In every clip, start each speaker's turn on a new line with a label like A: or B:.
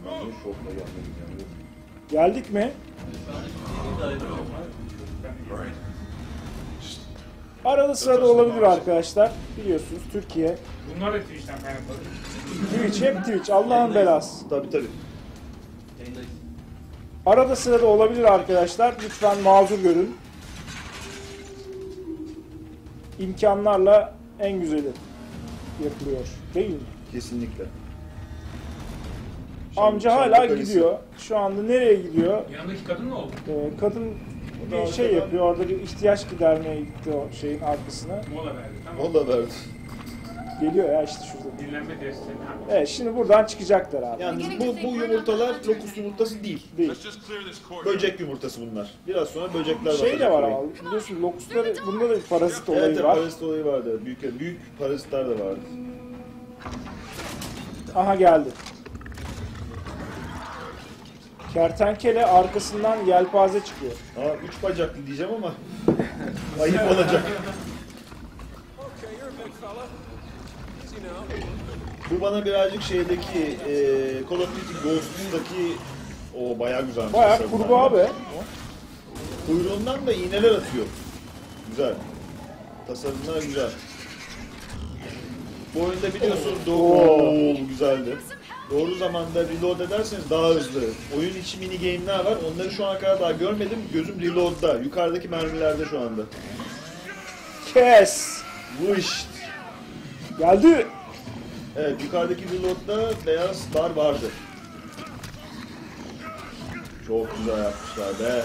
A: Şokla gelmedim yani.
B: Geldik mi? Arada sırada olabilir arkadaşlar. Biliyorsunuz Türkiye.
C: Bunlar da Twitch'ten kaynaklı.
B: Twitch hep Twitch. Allah'ın belası.
A: Tabii tabii.
B: Arada sırada olabilir arkadaşlar. Lütfen mazur görün. İmkanlarla en güzeli yapılıyor. Değil mi?
A: Kesinlikle.
B: Amca hala gidiyor. Şu anda nereye gidiyor?
C: Yanındaki kadın ne oldu?
B: Kadın bir şey yapıyor. Orada bir ihtiyaç gidermeye gitti o şeyin arkasına.
C: Mola verdi. Tamam.
A: O da verdi.
B: Geliyor ya işte şurada.
C: Dinlenme desteği.
B: Evet şimdi buradan çıkacaklar abi.
A: Yalnız bu yumurtalar lokus yumurtası değil.
B: Değil.
A: Böcek yumurtası bunlar. Biraz sonra böcekler
B: Şey de var ama biliyorsun lokusları bunda da bir parazit olayı
A: Evet,
B: var.
A: parazit olayı vardı. Büyük parazitler de vardı.
B: Aha geldi. Kertenkele arkasından yelpaze çıkıyor.
A: Aa, 3 bacaklı diyeceğim ama ayıp olacak. Bu bana birazcık şeydeki Call of Duty Ghost'taki o bayağı güzel.
B: Bayağı kurbağa be.
A: Kuyruğundan da iğneler atıyor. Güzel. Tasarımlar güzel. Bu oyunda biliyorsun doğru güzeldi. Doğru zamanda reload ederseniz daha hızlı. Oyun içi mini game'ler var. Onları şu ana kadar daha görmedim. Gözüm reload'da. Yukarıdaki mermilerde şu anda.
B: Kes.
A: Bu işte.
B: Geldi.
A: Evet, yukarıdaki reload'da beyazlar vardı. Çok güzel yapmışlar be.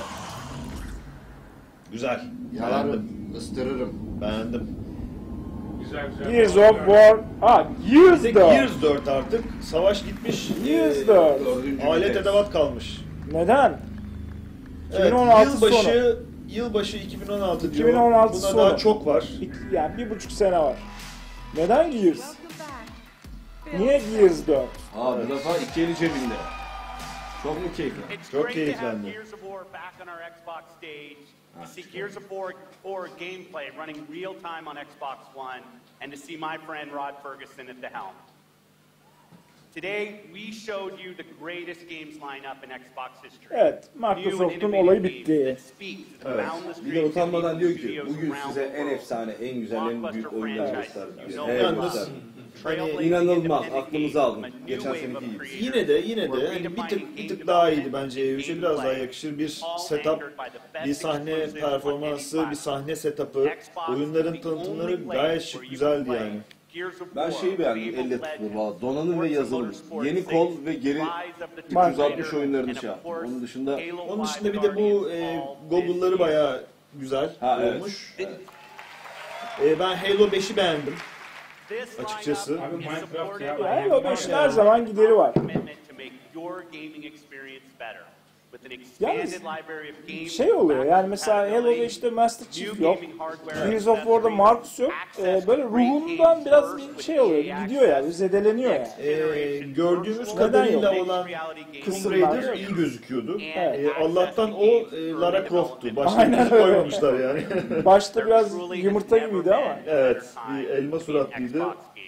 A: Güzel.
D: Yalarım, ıstırırım.
A: Beğendim.
C: Güzel güzel.
B: Gears of War. Gears
A: Bir de
B: 4.
A: Gears 4 artık. Savaş gitmiş.
B: Gears 4.
A: Alet edevat kalmış.
B: Neden?
A: Evet,
B: 2016 sonu.
A: Yılbaşı 2016 diyor.
B: 2016
A: Buna
B: sonu.
A: daha çok var.
B: Yani 1,5 sene var. Neden Gears? Niye Gears 4?
D: Bu defa iki eli cebinde. Çok mu keyifli?
A: Çok keyiflendi.
E: Gears of War back on our Xbox stage. To see Gears of War gameplay running real time on Xbox One, and to see my friend Rod Ferguson at the helm. Today we showed you the greatest games lineup in Xbox history.
B: Evet, Microsoft'un olayı bitti.
A: Evet.
D: Bir de utanmadan diyor ki bugün size en efsane, en güzel, en büyük oyunları gösterdim.
A: Yalnız
D: Hani inanılmaz, aklımızı aldım. Geçen seneki gibi.
A: yine de hani bir tık daha iyiydi bence. E3'e biraz daha yakışır. Bir setup, bir sahne performansı, bir sahne setup'ı, oyunların tanıtımları gayet şık, güzeldi yani.
D: Ben şeyi beğendim, elle tutulur valla. Donanım ve yazılım. Yeni kol ve geri 360 oyunlarını şey yaptım. Onun dışında
A: Bir de bu goggle'ları bayağı güzel olmuş. Ben Halo 5'i beğendim. Açıkçası.
C: Abi Minecraft ya.
B: Halo 5'in her zaman gideri var. Yalnız şey oluyor yani mesela Halo 5'te Master Chief yok. Gears of War'da Marcus yok. Böyle ruhundan biraz bir şey oluyor. Gidiyor yani. Zedeleniyor yani.
A: Gördüğümüz kadarıyla olan Tomb Raider iyi gözüküyordu. Allah'tan o Lara Croft'tu. Başka bir şey koymamışlar yani.
B: Başta biraz yumurta gibiydi ama.
A: Evet. Bir elma suratlıydı.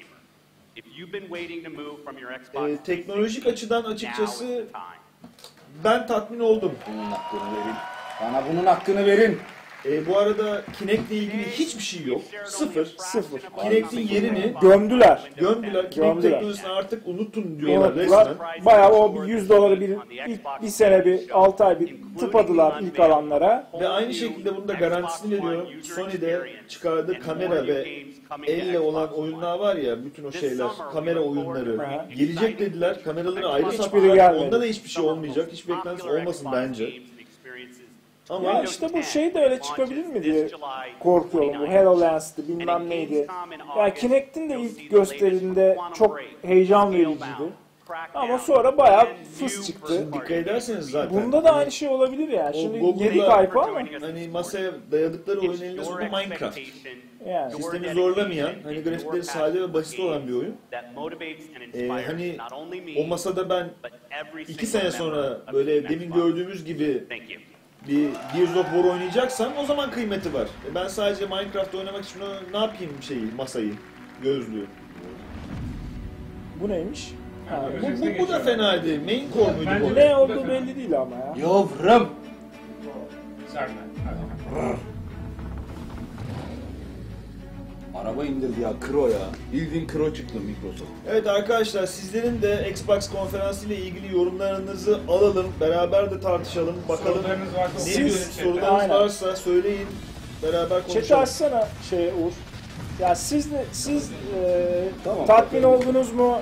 A: Teknolojik açıdan açıkçası ben tatmin oldum.
D: bunun hakkını verin. Bana bunun hakkını verin.
A: Bu arada Kinect'le ilgili hiçbir şey yok. Sıfır. Kinect'in yerini
B: Gömdüler.
A: gömdüler. Kinect
B: Gömdüler.
A: teknolojisini artık unutun diyorlar
B: Unuttular.
A: resmen.
B: Bayağı o $100 bir sene bir 6 ay bir tıpadılar ilk alanlara.
A: Ve aynı şekilde bunun da garantisini veriyorum. Sony'de çıkardığı kamera ve elle olan oyunlar var ya, bütün o şeyler, kamera oyunları gelecek dediler. Kameraları ayrı
B: Hiçbiri
A: sattılar.
B: gelmedi.
A: Onda da hiçbir şey olmayacak. Hiç beklentisi olmasın bence. Ama
B: Ya işte bu şey de öyle çıkabilir mi diye korkuyorum. Bu HoloLens'ti bilmem neydi. Yani Kinect'in de ilk gösteriminde çok heyecan vericiydi. Ama sonra bayağı fıs çıktı.
A: dikkat ederseniz zaten.
B: Bunda da aynı şey olabilir yani. Şimdi
A: Google'da-
B: geri kaypa ama
A: Hani masaya dayadıkları oyun eninde sonunda Minecraft.
B: yani.
A: Sistemi zorlamayan, hani grafikleri sade ve basit olan bir oyun. Hani o masada ben 2 sene sonra böyle demin gördüğümüz gibi bir Gears of War oynayacaksam o zaman kıymeti var. Ben sadece Minecraft oynamak için ne yapayım masayı, gözlüğü.
B: Bu neymiş?
A: Bu da fena değil. Main core muydu bu?
B: Ne olduğu belli değil ama ya.
D: Yavrum. Araba indirdi ya, Kro ya. Bildiğin Kro çıktı Microsoft.
A: Evet arkadaşlar, sizlerin de Xbox konferansı ile ilgili yorumlarınızı alalım. Beraber de tartışalım. Bakalım
C: Sorularınız varsa
A: ne
C: okuyun.
A: sorularınız
B: Aynen.
A: varsa söyleyin. Beraber
B: Chat'i
A: konuşalım.
B: açsana Uğur. Ya siz
D: Tamam,
B: tatmin
D: bakalım.
B: oldunuz mu?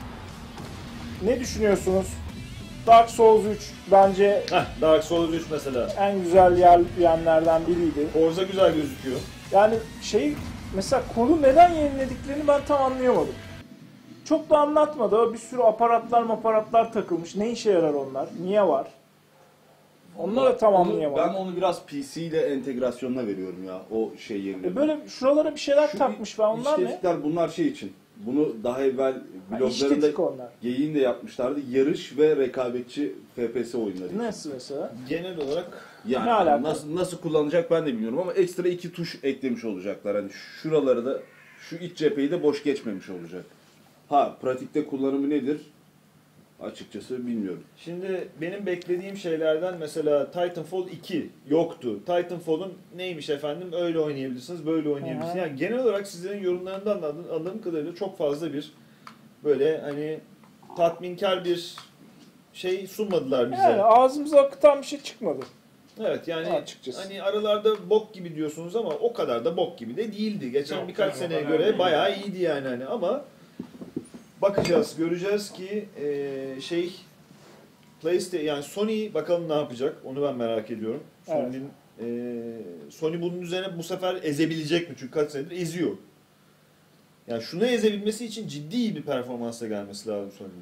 B: Ne düşünüyorsunuz? Dark Souls 3 bence
A: Dark Souls 3 mesela.
B: en güzel yerlerden biriydi.
A: Forza güzel gözüküyor.
B: Yani mesela kolu neden yenilediklerini ben tam anlayamadım. Çok da anlatmadı. Bir sürü aparatlar takılmış. Ne işe yarar onlar? Niye var? Onları da tam anlayamadım.
D: Ben onu biraz PC ile entegrasyonuna veriyorum ya, o şey yerine.
B: Böyle şuralara bir şeyler takmış falan, onlar ne?
D: İşlettikler bunlar şey için. Bunu daha evvel bloglarında
B: işletik onlar.
D: geyiğini de yapmışlardı. Yarış ve rekabetçi FPS oyunları.
B: Nasıl mesela?
A: Genel olarak
D: Yani
B: Ne alaka?
D: nasıl kullanacak ben de bilmiyorum ama ekstra 2 tuş eklemiş olacaklar. Hani şuraları da, şu iç cepheyi de boş geçmemiş olacak. Pratikte kullanımı nedir? Açıkçası bilmiyorum.
A: şimdi benim beklediğim şeylerden mesela Titanfall 2 yoktu. Titanfall'un neymiş efendim? Öyle oynayabilirsiniz, böyle oynayabilirsiniz. Yani genel olarak sizlerin yorumlarından anladığım kadarıyla çok fazla bir böyle hani tatminkar bir şey sunmadılar bize.
B: Yani ağzımıza akıtan bir şey çıkmadı.
A: Evet yani
B: Açıkçası.
A: hani aralarda bok gibi diyorsunuz ama o kadar da bok gibi de değildi. Geçen
C: Yok,
A: birkaç
C: o
A: seneye
C: kadar
A: göre
C: değil.
A: bayağı iyiydi yani hani ama bakacağız, göreceğiz ki PlayStation yani Sony bakalım ne yapacak. Onu ben merak ediyorum.
B: Evet.
A: Sony bunun üzerine bu sefer ezebilecek mi? Çünkü kaç senedir eziyor. Yani şunu ezebilmesi için ciddi bir performansla gelmesi lazım Sony'nin.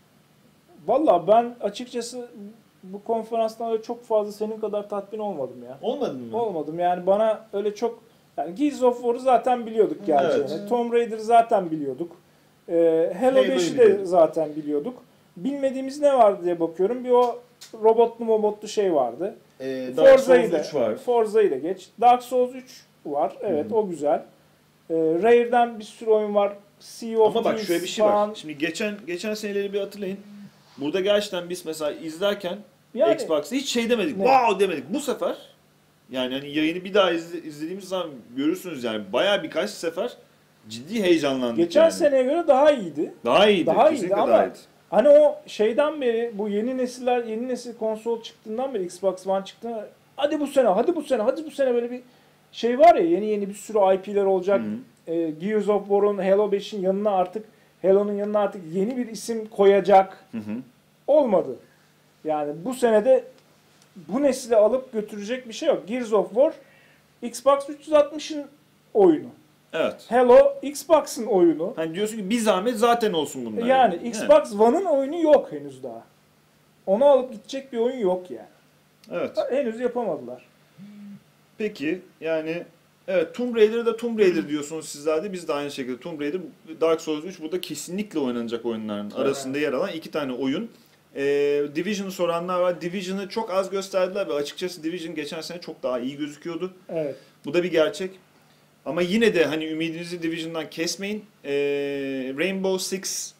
B: Valla ben açıkçası bu konferanstan öyle çok fazla senin kadar tatmin olmadım ya.
A: Olmadın mı?
B: Olmadım yani, bana öyle çok, yani Gears of War'u zaten biliyorduk geleceğini.
A: Evet.
B: Tomb Raider'ı zaten biliyorduk. Halo
A: Halo'yu
B: 5'i de
A: biliyorduk.
B: zaten biliyorduk. Bilmediğimiz ne vardı diye bakıyorum. Bir o robotlu şey vardı.
A: Dark
B: Forza'yı
A: Souls
B: da,
A: 3 var.
B: Forza'yı da geç. Dark Souls 3 var. Evet, o güzel. Rare'den bir sürü oyun var. Sea of
A: Ama bak
B: Thieves
A: şöyle bir şey
B: falan.
A: var. Şimdi geçen seneleri bir hatırlayın. Burada gerçekten biz mesela izlerken
B: Yani-
A: Xbox'ta hiç şey demedik.
B: Ne?
A: Wow demedik. Bu sefer yani hani yayını bir daha izlediğimiz zaman görürsünüz yani bayağı birkaç sefer ciddi heyecanlandık.
B: Geçen
A: yani.
B: seneye göre daha iyiydi.
A: daha iyiydi.
B: Daha iyiydi
A: Kesinlikle
B: ama
A: daha iyiydi.
B: hani o şeyden beri, bu yeni nesil konsol çıktığından beri, Xbox One çıktığında, hadi bu sene böyle bir şey var ya, yeni bir sürü IP'ler olacak. Gears of War'un, Halo 5'in yanına artık, Halo'nun yanına artık yeni bir isim koyacak. Olmadı. Yani bu senede bu nesli alıp götürecek bir şey yok. Gears of War Xbox 360'ın oyunu.
A: Evet.
B: Halo Xbox'ın oyunu.
A: Hani diyorsun ki bir zahmet zaten olsun bunlar.
B: Yani
A: Evet.
B: Xbox One'ın oyunu yok henüz daha. Onu alıp gidecek bir oyun yok yani.
A: Evet.
B: Henüz yapamadılar.
A: Peki yani evet, Tomb Raider'ı da Tomb Raider diyorsunuz sizler de, biz de aynı şekilde Tomb Raider, Dark Souls 3 burada kesinlikle oynanacak oyunların arasında yer alan iki tane oyun. Division'ı soranlar var. Division'ı çok az gösterdiler ve açıkçası Division geçen sene çok daha iyi gözüküyordu.
B: Evet.
A: Bu da bir gerçek. Ama yine de hani ümidinizi Division'dan kesmeyin. Rainbow Six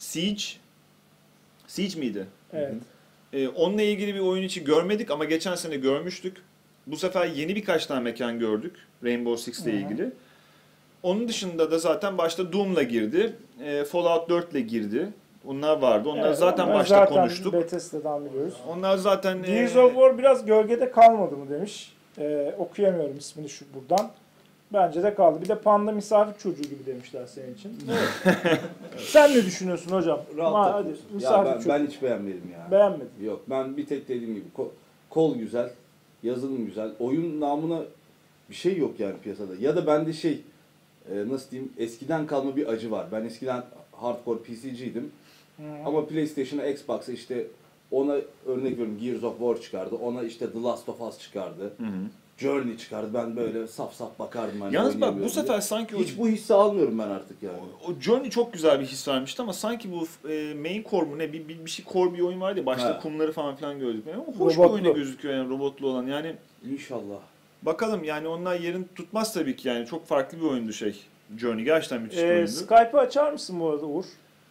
A: Siege miydi?
B: Evet.
A: Onunla ilgili bir oyun içi görmedik ama geçen sene görmüştük. Bu sefer yeni birkaç tane mekan gördük Rainbow Six ile ilgili. Onun dışında da zaten başta Doom'la girdi. Fallout 4'le girdi. Onlar vardı. Onlar
B: Evet,
A: zaten
B: onlar
A: başta
B: zaten
A: konuştuk.
B: Bethesda'dan biliyoruz.
A: Onlar zaten
B: Gears of War biraz gölgede kalmadı mı demiş. Okuyamıyorum ismini şu buradan. Bence de kaldı. Bir de Panda misafir çocuğu gibi demişler senin için. Sen ne düşünüyorsun hocam?
D: Rahat
B: Hadi,
D: takılıyorsun.
B: misafir
D: Ya
B: çocuğu.
D: ben hiç beğenmedim ya.
B: Beğenmedim.
D: Yok, ben bir tek dediğim gibi kol güzel, yazılım güzel. Oyun namına bir şey yok yani piyasada. Ya da bende nasıl diyeyim, eskiden kalma bir acı var. Ben eskiden hardcore PC'ciydim. Ama PlayStation'a, Xbox'a işte ona örnek veriyorum, Gears of War çıkardı. Ona işte The Last of Us çıkardı. Journey çıkardı. Ben böyle saf saf bakardım. Hani
A: Yalnız bak bu
D: oynayamıyorum
A: sefer
D: diye.
A: sanki
D: hiç bu hissi almıyorum ben artık yani.
A: o Journey çok güzel bir his vermişti ama sanki bu main core mu ne bir şey core bir oyun vardı ya, başta
D: Ha.
A: kumları falan filan gördük. Yani hoş
B: Robotlu.
A: bir oyun gözüküyor yani, robotlu olan. Yani
D: İnşallah.
A: bakalım yani onlar yerini tutmaz tabii ki yani, çok farklı bir oyundu Journey gerçekten müthiş bir oyundu.
B: Skype'ı açar mısın bu arada Uğur?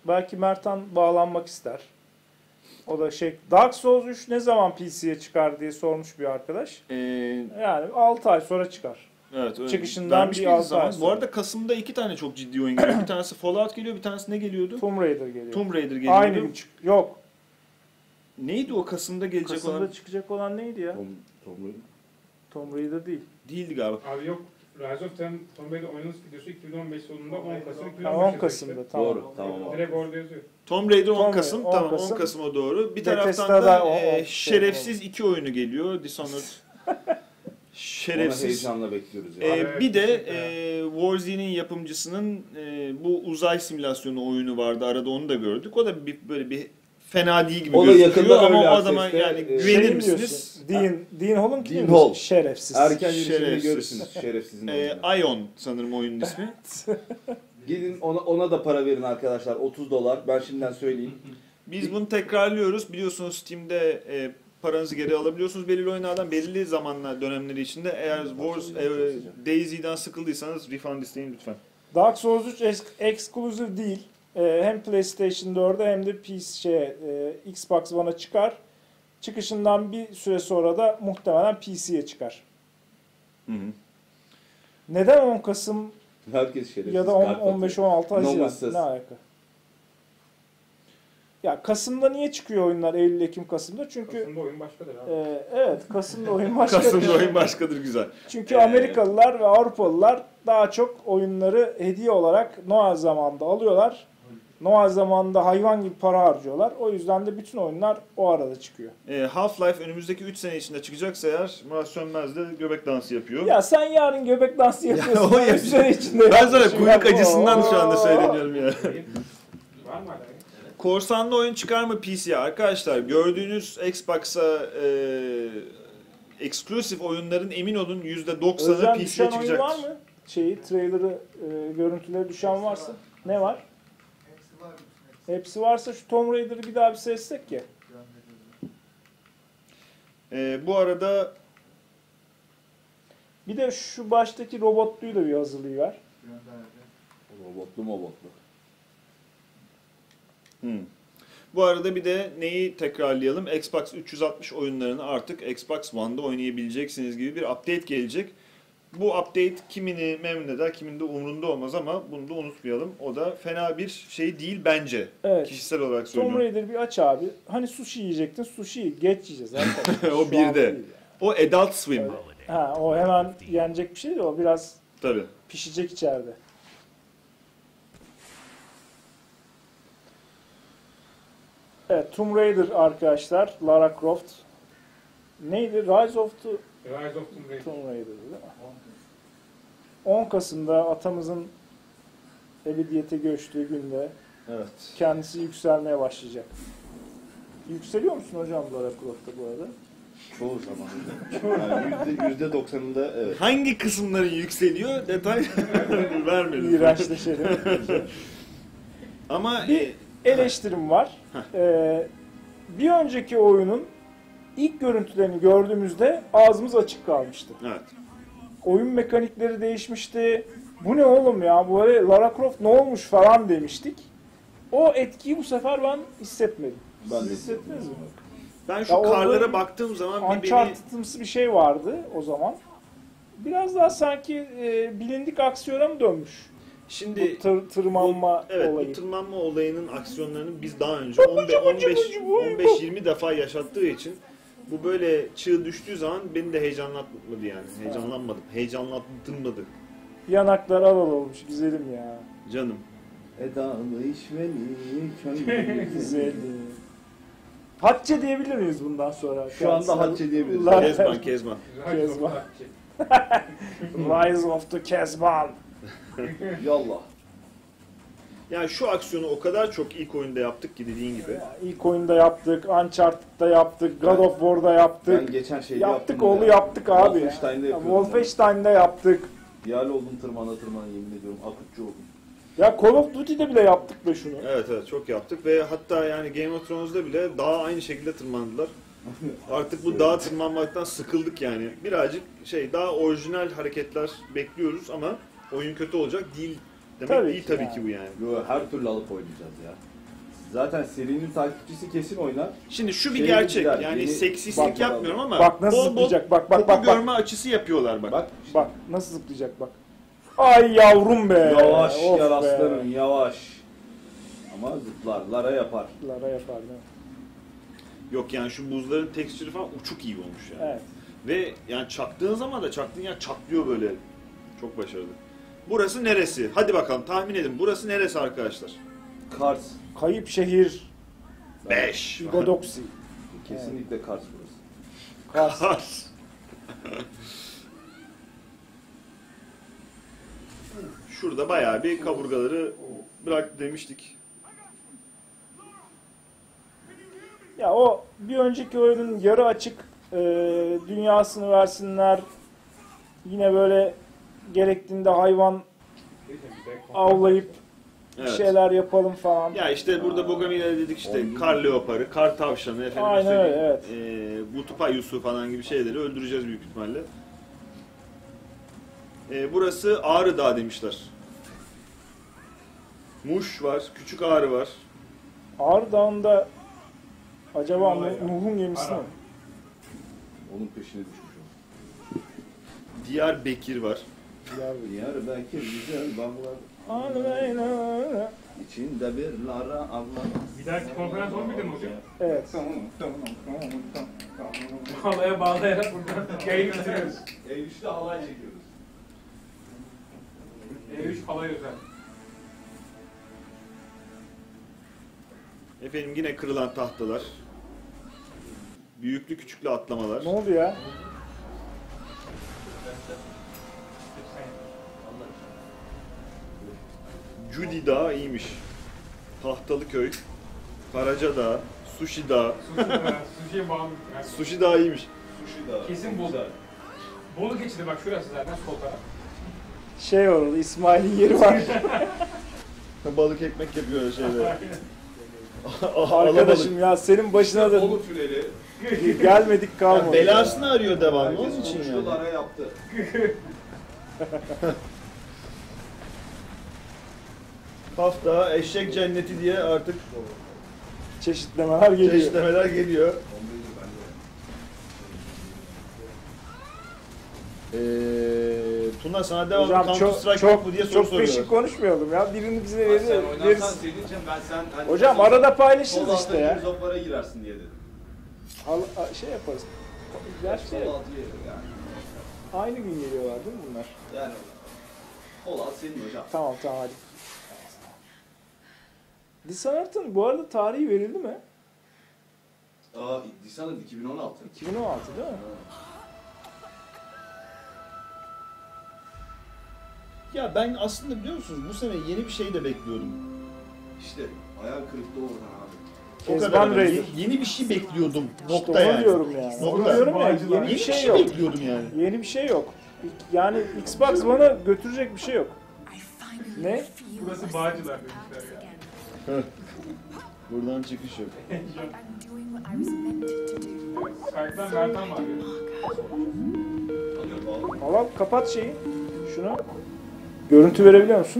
B: Belki Mertan bağlanmak ister. O da Dark Souls 3 ne zaman PC'ye çıkar diye sormuş bir arkadaş. Yani 6 ay sonra çıkar.
A: Evet, öyle.
B: Çıkışından
A: Vermiş
B: bir
A: miydi
B: 6 ay sonra.
A: Bu arada Kasım'da 2 tane çok ciddi oyun geliyor. Bir tanesi Fallout geliyor, bir tanesi ne geliyordu?
B: Tomb Raider geliyor.
A: Tomb Raider geliyordu.
B: Aynı gün yok.
A: Neydi o Kasım'da gelecek
B: Kasım'da
A: olan?
B: çıkacak olan neydi ya? Tomb Raider değil.
A: Değildi galiba.
C: Abi yok. Rise of Tomb Raider oynanış videosu 2015 sonunda 10 Kasım 2015'te.
B: 10 Kasım'da tamam.
D: Doğru, tamam.
C: Direkt orada yazıyor.
A: Tomb Raider 10
B: Tomb
A: Kasım.
B: Raider, 10
A: Tamam, 10
B: Kasım.
A: Kasım o doğru. Bir
B: Bethesda'da
A: taraftan da
B: o
A: şerefsiz 2 oyunu geliyor. Dishonored.
D: Ona
A: Şerefsiz.
D: heyecanla bekliyoruz ya.
C: Abi,
A: Bir de
C: kesinlikle.
A: Warzi'nin yapımcısının bu uzay simülasyonu oyunu vardı. Arada onu da gördük. O da böyle bir fena değil gibi
D: O da
A: gözüküyor
D: yakında
A: ama o
D: Early
A: adama
D: Access'te,
A: yani
D: şey
A: güvenir
B: mi
A: misiniz?
B: diyorsun? Dean Hall'un kim
D: Dean
B: diyorsun?
D: Hall.
B: Şerefsiz.
D: Erken gelişimde
A: Şerefsiz.
D: görürsünüz şerefsizin oyunu.
A: Ion sanırım oyunun ismi.
D: Gidin ona da para verin arkadaşlar. $30. Ben şimdiden söyleyeyim.
A: Biz bunu tekrarlıyoruz. Biliyorsunuz Steam'de paranızı geri alabiliyorsunuz belirli oyunlardan belirli zamanlar dönemleri içinde. Eğer Daisy'den sıkıldıysanız refund isteyin lütfen.
B: Dark Souls 3 exclusive değil. Hem PlayStation 4'e hem de Xbox One'a çıkar. Çıkışından bir süre sonra da muhtemelen PC'ye çıkar.
A: Hı hı.
B: Neden 10 Kasım
D: Herkes şerefsiz.
B: ya da 15-16 Haziran?
D: Nomus'suz.
B: Ne alaka? Ya Kasım'da niye çıkıyor oyunlar? Eylül, Ekim, Kasım'da? Çünkü
C: Kasım'da oyun başkadır abi.
B: evet, Kasım'da oyun başka.
A: Kasım'da oyun başkadır güzel.
B: Çünkü Amerikalılar ve Avrupalılar daha çok oyunları hediye olarak Noel zamanında alıyorlar. Noel zamanında hayvan gibi para harcıyorlar. O yüzden de bütün oyunlar o arada çıkıyor.
A: Half-Life önümüzdeki 3 sene içinde çıkacaksa eğer Murat Sönmez de göbek dansı yapıyor.
B: Ya sen yarın göbek dansı yapıyorsun.
A: o yapacak.
B: Üstüne içinde
A: Ben sana
B: yapmışım.
A: kuyruk
B: Ya.
A: acısından şu anda
B: Oo.
A: söyleniyorum ya.
C: Var mı hala?
A: Korsanlı oyun çıkar mı PC'ye? Arkadaşlar gördüğünüz Xbox'a eksklusif oyunların emin olun %90'ı
B: Özlem
A: PC'ye
B: düşen oyun var
A: çıkacaktır.
B: mı? Trailer'ı, görüntüleri düşen varsa. Ne var? Hepsi varsa şu Tomb Raider'ı bir daha bir seçsek ya.
A: Bu arada
B: Bir de şu baştaki robotluyu da bir hazırlayıver.
D: Robotlu.
A: Bu arada bir de neyi tekrarlayalım? Xbox 360 oyunlarını artık Xbox One'da oynayabileceksiniz gibi bir update gelecek. Bu update kimini memnun eder, kiminin de umurunda olmaz ama bunu da unutmayalım. O da fena bir şey değil bence.
B: Evet.
A: Kişisel olarak
B: Tomb
A: söylüyorum.
B: Raider bir aç abi. Hani sushi yiyecektin, sushi'yi geç yiyeceğiz.
A: O
B: Şu
A: bir
B: an
A: de.
B: değil yani.
A: O Adult Swim.
B: Evet. Ha, o hemen yenecek bir şey değil, o biraz
A: Tabii.
B: pişecek içeride. Evet, Tomb Raider arkadaşlar, Lara Croft. Neydi? Rise of the
C: Rise of Tomb Raider.
B: Tomb Raider değil mi? 10 Kasım'da atamızın ebediyete göçtüğü günde
A: Evet.
B: kendisi yükselmeye başlayacak. Yükseliyor musun hocam Lara Croft'ta bu arada?
D: Çoğu zaman. Yani %90'ında evet.
A: Hangi kısımların yükseliyor detay vermedim.
B: İğrençleşelim.
A: Ama
B: Bir eleştirim var. Bir önceki oyunun ilk görüntülerini gördüğümüzde ağzımız açık kalmıştı.
A: evet.
B: Oyun mekanikleri değişmişti. Bu ne oğlum ya? Bu böyle Lara Croft ne olmuş falan demiştik. O etkiyi bu sefer ben hissetmedim.
D: Ben
B: Siz
D: de
B: hissettiniz mi?
A: Ben şu
B: Ya orada
A: karlara baktığım zaman bir beni...
B: Uncharted'ımsı bir şey vardı o zaman. Biraz daha sanki bilindik aksiyona mı dönmüş?
A: Şimdi
B: Bu tırmanma
A: evet,
B: olayı.
A: bu tırmanma olayının aksiyonlarını biz daha önce 15-20 defa yaşattığı için bu böyle çığ düştüğü zaman beni de heyecanlatmadı yani. Heyecanlanmadım. Heyecanlattırmadı.
B: Yanaklar al olmuş güzelim ya.
A: Canım.
D: Edalı işveli köylü
B: Güzelim. Hatice diyebilir miyiz bundan sonra?
D: Şu anda Hatice diyebiliriz.
A: Kezban.
C: Rise of
B: Kezban.
C: Hatice.
B: Rise of the Kezban.
D: Yallah.
A: Yani şu aksiyonu o kadar çok ilk oyunda yaptık ki dediğin gibi.
B: İlk oyunda yaptık, Uncharted'da yaptık, God of War'da yaptık.
D: Ben geçen şeyde
B: Yaptık
D: yaptım
B: oğlu
D: ya.
B: yaptık abi.
D: Wolfenstein'de
B: Ya,
D: yapıyordum.
B: Wolfenstein'da yaptık.
D: Yal oldum tırmana yemin ediyorum. Akutçu oldum.
B: Ya Call of Duty'de bile yaptık be şunu.
A: Evet çok yaptık ve hatta yani Game of Thrones'da bile dağa aynı şekilde tırmandılar. Artık bu dağa tırmanmaktan sıkıldık yani. Birazcık daha orijinal hareketler bekliyoruz ama oyun kötü olacak değil demek
B: Tabii
A: değil
B: ki
A: tabii
B: yani.
A: ki bu yani.
D: Yo, her türlü alıp oynayacağız ya. Zaten serinin takipçisi kesin oynar.
A: Şimdi şu bir
D: Şeye
A: gerçek.
D: gider,
A: Yani
D: yeni-
A: seksistlik
B: Bak,
A: yapmıyorum ama
B: bak nasıl
A: bol bol
B: zıplayacak, bak,
A: topu
B: bak.
A: görme açısı yapıyorlar bak.
D: Bak
B: Bak nasıl zıplayacak bak. Ay yavrum be.
D: yavaş
B: Of
D: gel
B: be.
D: aslanım yavaş. Ama zıplar, lara yapar.
B: Lara yapar değil mi?
A: Yok yani şu buzların tekstürü falan uçuk iyi olmuş yani.
B: Evet.
A: Ve yani çaktığın zaman da çaktığın yer çatlıyor böyle. Çok başarılı. Burası neresi? Hadi bakalım tahmin edin. Burası neresi arkadaşlar?
D: Kars.
B: Kayıp şehir
A: 5.
B: Godoksi.
D: Kesinlikle Kars burası.
B: Kars.
A: Şurada bayağı bir kaburgaları bırak demiştik.
B: Ya o bir önceki oyunun yarı açık dünyasını versinler. Yine böyle gerektiğinde hayvan avlayıp bir
A: Evet.
B: şeyler yapalım falan.
A: Ya işte burada Bogomila dedik işte kar leoparı, kar tavşanı, efendim
B: Aynen öyle, evet.
A: Butupayusu falan gibi şeyleri öldüreceğiz büyük ihtimalle. Burası Ağrı Dağı demişler. Muş var, Küçük Ağrı var.
B: Ağrı Dağı'nda acaba Nuh'un gemisi mi?
D: Onun peşine düşmüş o.
A: Diyarbakır var.
D: Diyarbakır güzel bağlar.
B: Aynen.
D: İçinde bir lara Allah.
C: Bir dahaki konferans 11'de mi hocam?
B: Evet.
C: Halaya bağlayarak buradan yayını bitiriyoruz.
D: E3'te halay çekiyoruz.
C: E3 halay özel.
A: Efendim yine kırılan tahtalar. Büyüklü küçüklü atlamalar.
B: Ne oldu ya?
A: Judy Dağı iyiymiş. Tahtalı Köy. Karaca Dağı. Sushi Dağı.
C: Sushi'ye bağlı. Yani
A: Sushi Dağı iyiymiş.
D: Sushi da.
C: kesin Bolu. Bolu geçidi bak şurası zaten sol taraf.
B: Şey orada İsmail'in yeri var.
A: Balık ekmek yapıyor şeyde.
B: Arkadaşım ya senin başına da
D: Bolu tüneli.
B: gelmedik kalmadı.
A: Belasını arıyor devamlı onun
D: Herkes
A: için
D: konuştu,
A: yani.
D: lara yaptı.
A: Hafta eşek cenneti diye artık
B: Çeşitlemeler geliyor.
A: çeşitlemeler geliyor. Tuna sana devamlı
B: Hocam
A: Counter
B: çok
A: Strike
B: çok
A: yok mu diye soru
B: çok
A: soruyorlar.
B: peşin konuşmayalım ya. Birini bize
D: Sen
B: veririz.
D: oynarsan senin için sen...
B: Hocam arada paylaşırız işte ya.
D: Zoplara girersin diye dedim.
B: Şey yaparız. Gerçi
D: Sol altı yerim yani.
B: aynı gün geliyorlar değil mi bunlar?
D: Yani kol alt senin hocam.
B: Tamam hadi. Dishonored'ın bu arada tarihi verildi mi?
D: Dishonored 2016.
B: 2016 değil mi?
A: Ya ben aslında biliyor musunuz bu sene yeni bir şey de bekliyordum.
D: İşte hayal kırıklığı oradan abi.
A: O kadar
B: Kezban
A: ben
B: Raider.
A: yeni bir şey bekliyordum.
B: İşte
A: Nokta
B: onu
A: yani.
B: diyorum yani.
A: Nokta.
B: Onu diyorum ya.
C: Bağcılar.
B: Yeni bir
A: Yeni
B: şey yok.
A: bekliyordum yani.
B: Yeni bir şey yok. Yani Xbox One'a götürecek bir şey yok. Ne?
C: Burası Bağcılar demişler ya.
A: Buradan çıkış yok.
C: Skype'dan Mertan var ya.
B: Allah kapat şeyi. Şunu. Görüntü verebiliyor musun?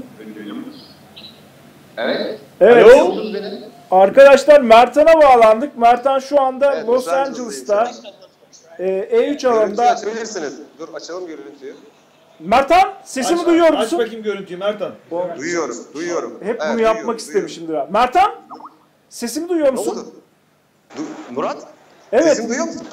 F: Evet.
B: Evet.
F: Buldunuz beni.
B: Arkadaşlar Mertan'a bağlandık. Mertan şu anda
F: Evet,
B: Los
F: Los
B: Angeles'ta
F: Angeles'tayım.
B: E3
F: Görüntüyü
B: alanında.
F: açabilirsiniz. Dur açalım görüntüyü.
B: Mertan sesimi duyuyor
A: Aç
B: musun?
A: bakayım görüntüyü Mertan.
F: Duyuyorum.
B: Hep
F: Evet,
B: bunu yapmak
F: duyuyorum.
B: istemişimdir. Ha. Mertan sesimi duyuyor
F: Ne
B: musun?
F: oldu? Murat?
B: Evet.
F: Sesimi duyuyor musun?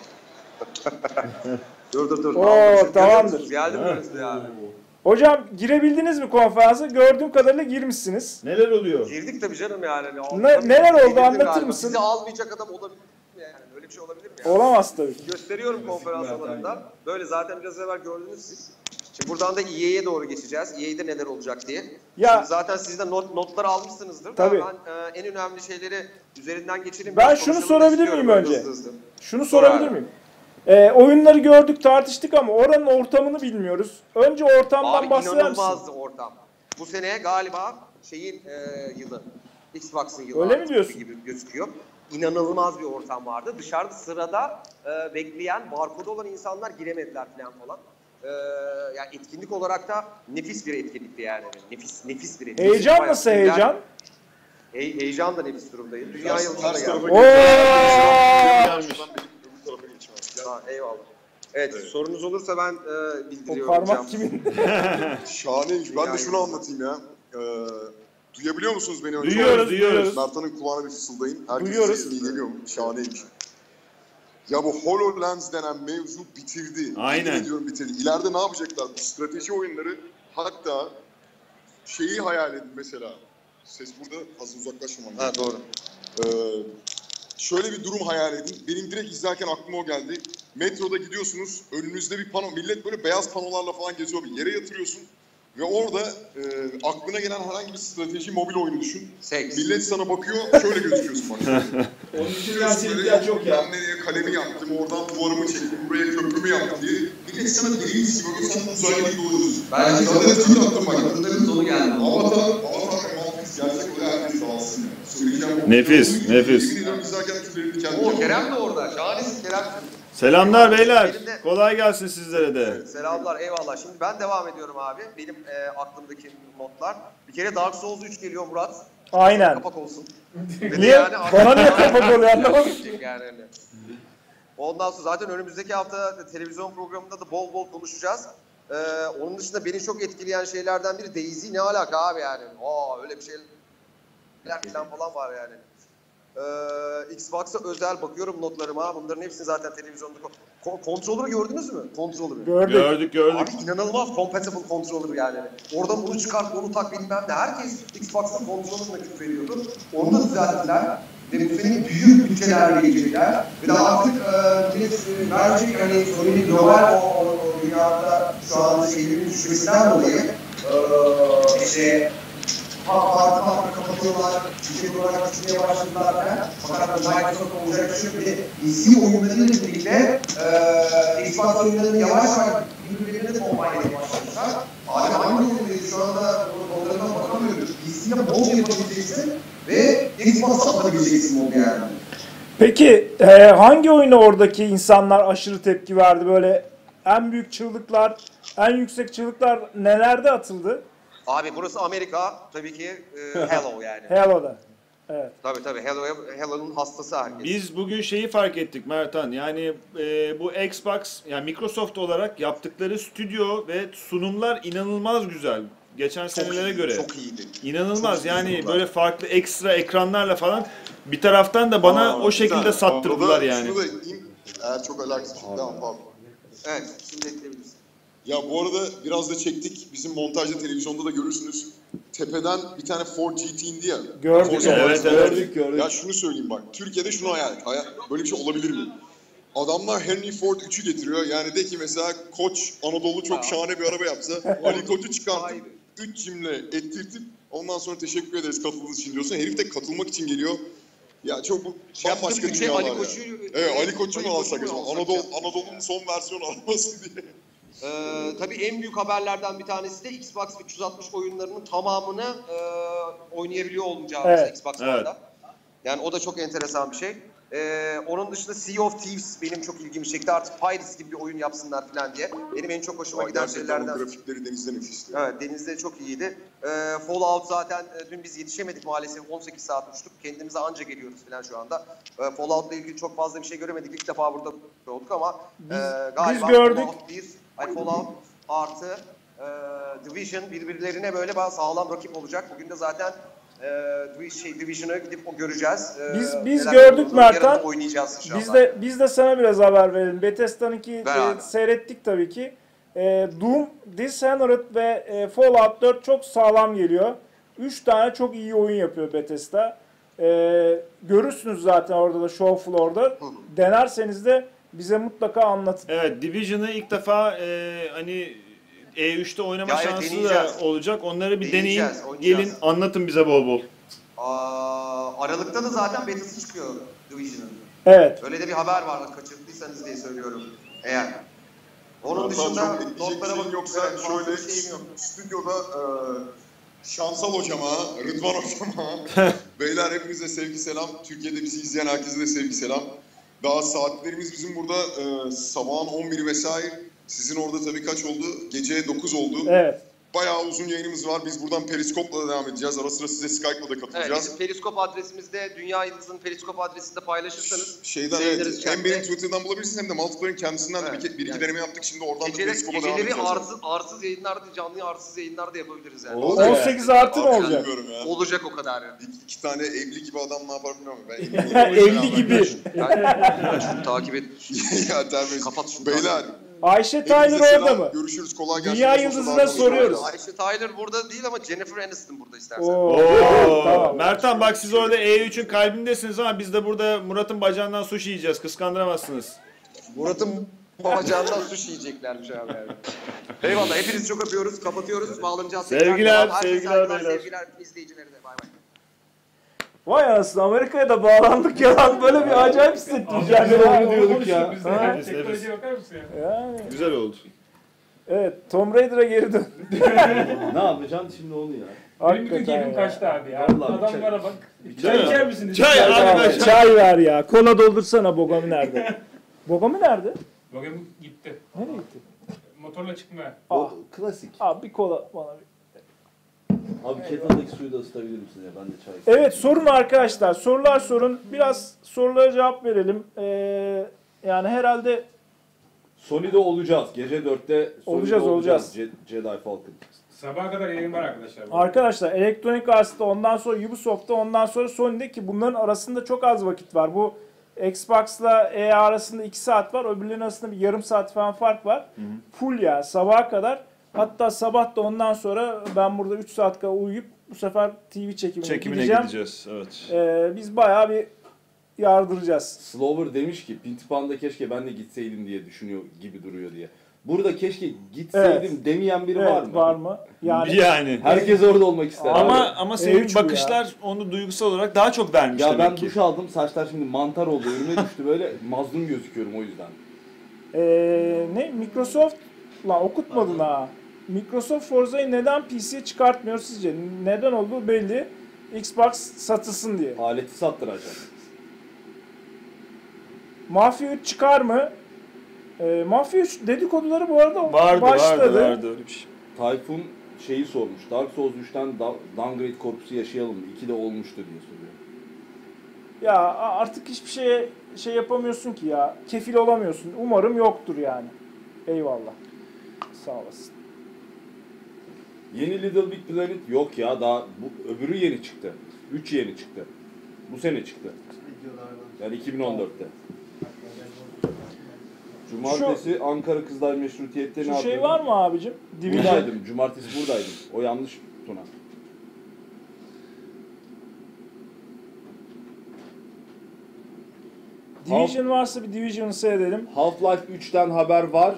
F: dur.
B: Oo, tamamdır.
F: Geldim burası yani.
B: Hocam girebildiniz mi konferansa? Gördüğüm kadarıyla girmişsiniz.
A: Neler oluyor?
F: Girdik tabii canım yani.
B: Neler oldu,
F: Girdim
B: anlatır
F: galiba.
B: mısın?
F: Bizi almayacak adam olabilir mi yani? Öyle bir şey olabilir mi yani?
B: Olamaz tabii ki.
F: Gösteriyorum konferans alanında. Böyle zaten biraz evvel gördünüz siz. Şimdi buradan da EA'ye doğru geçeceğiz. EA'de neler olacak diye.
B: Ya-
F: Şimdi zaten siz de notları almışsınızdır.
B: Tabii.
F: Ben en önemli şeyleri üzerinden geçireyim.
B: Ben
F: Biraz
B: şunu
F: konuşalım
B: sorabilir
F: istiyorum
B: miyim
F: böyle
B: önce?
F: hızlı.
B: Şunu
F: Sor
B: sorabilir
F: abi.
B: miyim? Oyunları gördük, tartıştık ama oranın ortamını bilmiyoruz. Önce ortamdan
F: Abi
B: bahseder misin?
F: inanılmazdı ortam. Bu sene galiba şeyin yılı. Xbox'ın yılı.
B: Öyle mi
F: artık
B: diyorsun?
F: gibi gözüküyor. İnanılmaz bir ortam vardı. Dışarıda sırada bekleyen, barkodu olan insanlar giremediler falan. Yani etkinlik olarak da nefis bir etkinlikti yani. Nefis bir etkinlik.
B: Heyecan
F: Bayağı
B: nasıl
F: güzel.
B: heyecan?
F: Heyecan da nefis durumdayım. Dünya yıldızına
G: Ters
F: geldim.
G: tarafa geçeceğim.
F: Eyvallah. Evet, sorunuz olursa ben
B: O
F: bildiriyorum.
B: parmak kimin?
G: Şahaneymiş. Ben de şunu anlatayım ya. Duyabiliyor musunuz beni?
B: Duyuyoruz.
G: Mert'in kulağına bir fısıldayın. Herkes
B: Duyuyoruz.
G: sesini geliyor mu? Şahaneymiş. Ya bu HoloLens denen mevzu bitirdi.
A: Aynen.
G: Yemin ediyorum bitirdi. İleride ne yapacaklar? Bu strateji oyunları, hatta şeyi hayal edin mesela. Ses burada, az uzaklaşmamam.
F: Ha, doğru.
G: Şöyle bir durum hayal edin. Benim direkt izlerken aklıma o geldi. Metroda gidiyorsunuz, önünüzde bir pano, millet böyle beyaz panolarla falan geziyor. Bir yere yatırıyorsun ve orada aklına gelen herhangi bir strateji mobil oyunu düşün.
F: Seks.
G: Millet sana bakıyor, şöyle gözüküyorsun bak.
A: Onun için gerçekten çok ya.
G: Ben nereye kalemi yaptım, oradan duvarımı çektim, buraya köprümü yaptım diye. Millet sana deliğiniz gibi bakıyor, sen uzaylı gibi oluyorsun.
F: Bence
G: Zaten tweet attım bak.
F: Bunların sonu geldi.
G: Avatar Matrix gerçek öyle herkes alsın. Söyleyeceğim.
A: Nefis, nefis.
G: Yemin ediyorum izlerken tüylerini kendim
F: O
G: yaptım.
F: Kerem de orada. Şahanesin Kerem.
A: Selamlar beyler. Kolay gelsin sizlere de.
F: Selamlar, eyvallah. Şimdi ben devam ediyorum abi. Benim aklımdaki notlar. Bir kere Dark Souls 3 geliyor Murat.
B: Aynen.
F: Kapak olsun.
B: Niye? Bana niye kapak oluyor anlamadım.
F: Yani öyle. Ondan sonra zaten önümüzdeki hafta televizyon programında da bol bol konuşacağız. Onun dışında beni çok etkileyen şeylerden biri Daisy ne alaka abi yani. Öyle bir şeyler falan var yani. Xbox'a özel bakıyorum notlarıma. Bunların hepsini zaten televizyonda... Controller'ı gördünüz mü? Controller'ı.
A: Gördük.
F: Abi inanılmaz compatible controller yani. Oradan bunu çıkart, onu tak bilmem ne. Herkes Xbox'ta controller'la küfrediyordu. Onu da düzelttiler. Ve bu sene büyük bütçelerle gelecekler. Ve de artık verecek hani Sony'nin global o dünyada şu anda şeylerin düşmesinden dolayı farklı kapatıyorlar, şirket olarak düşmeye başladılar. Fakat Microsoft olacak bir şey yok. PC oyunlarıyla birlikte Xbox oyunlarını yavaş yavaş birbirlerine de kombine etmeye başlamışlar. Abi hangi oyundayız şu anda onlardan bakamıyoruz. PC'ye bol yapabileceksin ve Xbox'a atabileceksin onu yani.
B: Peki hangi oyuna oradaki insanlar aşırı tepki verdi? Böyle en büyük çığlıklar, en yüksek çığlıklar nelerde atıldı?
F: Abi burası Amerika, tabii ki Halo yani.
B: Halo'da. Evet.
F: Tabii Halo'nun hastası herkes.
A: Biz bugün şeyi fark ettik Mertan. Yani bu Xbox, yani Microsoft olarak yaptıkları stüdyo ve sunumlar inanılmaz güzel. Geçen senelere göre.
G: Çok iyiydi.
A: İnanılmaz.
G: Çok iyi
A: Yani
G: sunumlar.
A: böyle farklı ekstra ekranlarla falan bir taraftan da bana o şekilde
G: güzel.
A: sattırdılar
G: Orada
A: yani.
G: Şunu da ekleyeyim. Eğer çok alakasız bir devam pardon.
F: Evet, şimdi ekleyebilirsin.
G: Ya bu arada biraz da çektik. Bizim montajda televizyonda da görürsünüz. Tepeden bir tane Ford GT indi ya.
B: Gördük.
G: Forza
A: Evet,
G: Horizon.
D: gördük.
G: Ya şunu söyleyeyim bak. Türkiye'de şunu hayal et. Böyle bir şey olabilir mi? Adamlar Henry Ford 3'ü getiriyor. Yani de ki mesela Koç Anadolu çok şahane bir araba yapsa. Ali Koç'u çıkartıp 3 cümle ettirtip ondan sonra teşekkür ederiz katıldığınız için diyorsun. Herif de katılmak için geliyor. Ya çok bu bambaşka dünyalar
F: Ali
G: ya.
F: Koç'u...
G: Evet, Ali Koç'u mu alsak acaba?
F: ya?
G: Anadolu'nun son versiyonu arabası diye.
F: Tabii en büyük haberlerden bir tanesi de Xbox 360 oyunlarının tamamını oynayabiliyor olacağımız
B: Evet.
F: Xbox
A: Evet.
F: One'da. Yani o da çok enteresan bir şey. Onun dışında Sea of Thieves benim çok ilgimi çekti. Artık Pirates gibi bir oyun yapsınlar falan diye. Benim en çok hoşuma giden
G: Gerçekten
F: şeylerden.
G: grafikleri denizde nefisti.
F: Evet, denizde çok iyiydi. Fallout zaten dün biz yetişemedik maalesef. 18 saat uçtuk. Kendimize anca geliyoruz falan şu anda. Fallout'la ilgili çok fazla bir şey göremedik. İlk defa burada olduk ama galiba
B: gördük.
F: Fallout artı Division birbirlerine böyle sağlam rakip olacak. Bugün de zaten Division'a gidip göreceğiz.
B: Biz
F: Neler
B: gördük
F: olduğunu
B: Mertan.
F: yarın oynayacağız inşallah.
B: Biz de sana biraz haber verelim. Bethesda'nınki
F: Ver abi.
B: seyrettik tabii ki. Doom, Dishonored ve Fallout 4 çok sağlam geliyor. 3 tane çok iyi oyun yapıyor Bethesda. Görürsünüz zaten orada da show floor'da. Denerseniz de bize mutlaka anlatın.
A: Evet, Division'ı ilk defa hani E3'te oynama
F: Ya evet,
A: şansı
F: deneyeceğiz.
A: da olacak. Onları bir deneyin,
F: Deneyeceğiz, oynayacağız.
A: gelin anlatın bize bol bol.
F: Aralıkta da zaten beta'sı çıkıyor Division'ın.
B: Evet.
F: Öyle de bir haber vardı, kaçırdıysanız diye söylüyorum eğer. Onun
G: Hatta
F: dışında
G: çok ekleyecek bir
F: notlara
G: şeyim
F: bakıp
G: yoksa
F: fazla
G: şöyle
F: bir şeyim yok.
G: stüdyoda Şansal hocama, Rıdvan hocama, beyler hepinize sevgi selam. Türkiye'de bizi izleyen herkese de sevgi selam. Daha saatlerimiz bizim burada sabahın 11 vesaire. Sizin orada tabii kaç oldu? Gece 9 oldu.
B: Evet.
G: bayağı uzun yayınımız var. Biz buradan Periskop'la da devam edeceğiz. Ara sıra size Skype'la da katılacağız.
F: Evet, bizim Periskop adresimizde, Dünya Yıldızı'nın Periskop adresinde paylaşırsanız
G: Şeyden evet, hem benim Twitter'dan bulabilirsiniz hem de Multiplayer'in kendisinden de bir iki deneme yaptık. Şimdi oradan da Periskop'a devam edeceğiz.
F: Geceleri arsız yayınlar da, canlı arsız yayınlar da yapabiliriz yani.
B: 18 artı mı olacak?
F: Olacak o kadar yani.
G: İki tane evli gibi adam ne yapar bilmiyorum.
B: Evli gibi.
F: Şunu takip et.
G: Ya terbiyesiz.
F: Kapat şunu.
G: Beyler.
B: Ayşe Tyler orada mı?
G: Görüşürüz. Kolay gelsin.
B: Dünya Yıldızı'na soruyoruz.
F: Ayşe Tyler burada değil ama Jennifer Aniston burada istersen.
B: Tamam.
A: Mertan bak siz orada E3'ün kalbindesiniz ama biz de burada Murat'ın bacağından sushi yiyeceğiz. Kıskandıramazsınız.
F: Murat'ın bacağından sushi yiyeceklermiş abi yani. Eyvallah. Hepinizi çok öpüyoruz. Kapatıyoruz. Bağlanacağız.
A: Sevgiler,
F: Herkese
A: sevgiler beyler.
F: Sevgiler izleyicilerine. Bay bay.
B: Vay anasını, Amerika'ya da bağlandık ya lan, böyle bir acayip hissettim kendimi.
D: diyorduk ya.
C: Teknolojiye bakar mısın ya?
B: Yani,
A: Güzel oldu.
B: evet, Tomb Raider'a geri dön.
D: Ne yapacaksın şimdi onu ya?
C: Benim bütün keyfim kaçtı abi ya.
D: Vallahi
C: Adamlara bak.
A: Çay-
C: Çay içer misiniz?
A: Çay arkadaşlar.
B: Çay ver ya. Kola doldursana. Bogami nerede? Bogami nerede?
C: Bugün gitti.
B: Nereye gitti?
C: Motorla çıkmaya.
D: O klasik.
B: Abi bir kola bana bir.
D: Abi kettle'daki suyu da ısıtabilir misin ya? Ben de çay istiyorum.
B: Evet, sorun arkadaşlar. Sorular sorun. Biraz sorulara cevap verelim. Yani herhalde
D: Sony'de olacağız. Gece 4'te Sony'de
B: Olacağız.
D: Jedi Falcon.
C: Sabaha kadar yayın var arkadaşlar.
B: arkadaşlar Electronic Arts'ta, ondan sonra Ubisoft'ta, ondan sonra Sony'de, ki bunların arasında çok az vakit var. Bu Xbox'la EA arasında 2 saat var. Öbürlerinin arasında bir yarım saat falan fark var. Full ya sabaha kadar. Hatta sabah da ondan sonra ben burada 3 saat kadar uyuyup bu sefer TV çekimine gideceğim.
A: gideceğiz. Evet.
B: Biz bayağı bir yardıracağız.
D: Slover demiş ki Pintipan'da keşke ben de gitseydim diye düşünüyor gibi duruyor diye. Burada keşke gitseydim demeyen biri var mı?
B: Var mı?
A: Yani.
D: Herkes orada olmak ister.
A: Ama senin
B: E3 bu
A: bakışlar onu duygusal olarak daha çok vermiş
D: ya
A: demek
D: ben
A: ki.
D: duş aldım, saçlar şimdi mantar oldu, önüme düştü, böyle mazlum gözüküyorum o yüzden.
B: Microsoft lan okutmadın ha. Microsoft Forza'yı neden PC'ye çıkartmıyor sizce? Neden olduğu belli. Xbox satılsın diye.
D: Aleti sattıracak.
B: Mafia 3 çıkar mı? Mafia 3 dedikoduları bu arada
A: Vardı öyle bir şey.
D: Tayfun şeyi sormuş. Dark Souls 3'ten downgrade korkusu yaşayalım mı? 2'de olmuştu diye soruyor.
B: Ya artık hiçbir şey yapamıyorsun ki ya. Kefil olamıyorsun. Umarım yoktur yani. Eyvallah. Sağ olasın.
D: Yeni Little Big Planet yok ya, daha bu öbürü yeni çıktı. 3 yeni çıktı. Bu sene çıktı. Yani 2014'te. Cumartesi Ankara Kızlar Meşrutiyet'te ne
B: Şu
D: yapıyordun?
B: şey var mı abicim? Division.
D: Buradaydım. Cumartesi buradaydım. O yanlış Tuna.
B: Division varsa bir Division'ı seyredelim.
D: Half-Life 3'ten haber var.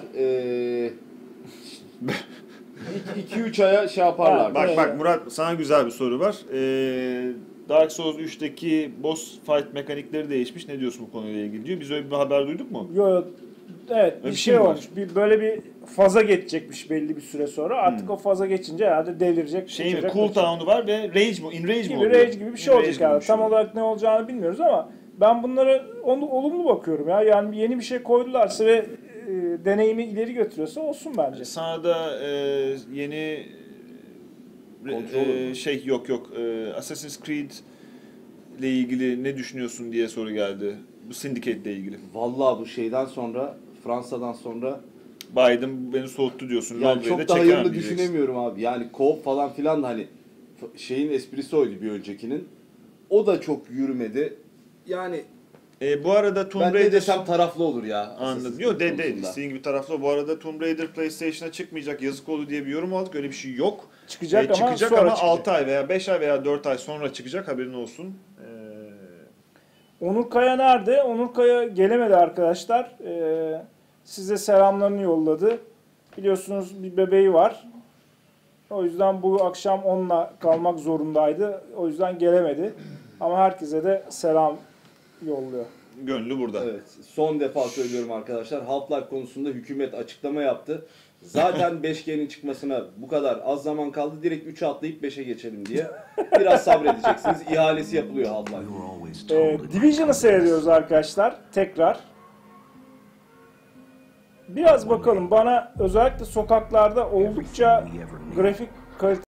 D: 2-3 aya şey yaparlar.
A: Bak Murat, sana güzel bir soru var. Dark Souls 3'teki boss fight mekanikleri değişmiş. Ne diyorsun bu konuyla ilgili diyor. Biz öyle bir haber duyduk mu?
B: Yo, evet,
A: Öyle
B: bir
A: bir
B: şey
A: şey mi
B: olmuş. Böyle bir faza geçecekmiş belli bir süre sonra. Artık o faza geçince herhalde delirecek.
A: Şey mi?
B: kaçacak,
A: Cooldown'u var ve rage mi? In rage mi
B: gibi
A: oluyor?
B: rage gibi bir şey
A: In
B: olacak
A: rage
B: yani.
A: gibi bir şey
B: Tam olarak ne olacağını bilmiyoruz ama ben bunlara olumlu bakıyorum ya. Yani yeni bir şey koydularsa ve deneyimi ileri götürüyorsa olsun bence.
A: Sana da yeni şey yok. Assassin's Creed ile ilgili ne düşünüyorsun diye soru geldi. Bu Syndicate ile ilgili.
D: Vallahi bu şeyden sonra, Fransa'dan sonra
A: Biden beni soğuttu diyorsun.
D: yani
A: Londra'yı
D: çok
A: da
D: da
A: çekemem
D: hayırlı
A: diyeceksin.
D: düşünemiyorum abi. Yani co-op falan filan da hani şeyin esprisi oydu bir öncekinin. O da çok yürümedi. Yani
A: Bu arada Tomb
D: ben
A: Raider...
D: ne desem taraflı olur ya.
A: Anladım. Yok değil. İstediğin gibi taraflı. Bu arada Tomb Raider PlayStation'a çıkmayacak, yazık oldu diye bir yorum aldık. Öyle bir şey yok.
B: Çıkacak ama
A: çıkacak
B: sonra
A: ama
B: çıkacak.
A: 6 ay veya 5 ay veya 4 ay sonra çıkacak, haberin olsun.
B: Onur Kaya nerede? Onur Kaya gelemedi arkadaşlar. Size selamlarını yolladı. Biliyorsunuz bir bebeği var. O yüzden bu akşam onunla kalmak zorundaydı. O yüzden gelemedi. Ama herkese de selam yolluyor.
A: Gönlü burada.
D: Evet. Son defa söylüyorum arkadaşlar. Half-Life konusunda hükümet açıklama yaptı. Zaten 5G'nin çıkmasına bu kadar az zaman kaldı. Direkt 3'e atlayıp 5'e geçelim diye. Biraz sabredeceksiniz. İhalesi yapılıyor Half-Life.
B: Division'ı seyrediyoruz arkadaşlar. Tekrar. biraz bakalım. Bana özellikle sokaklarda oldukça grafik kalite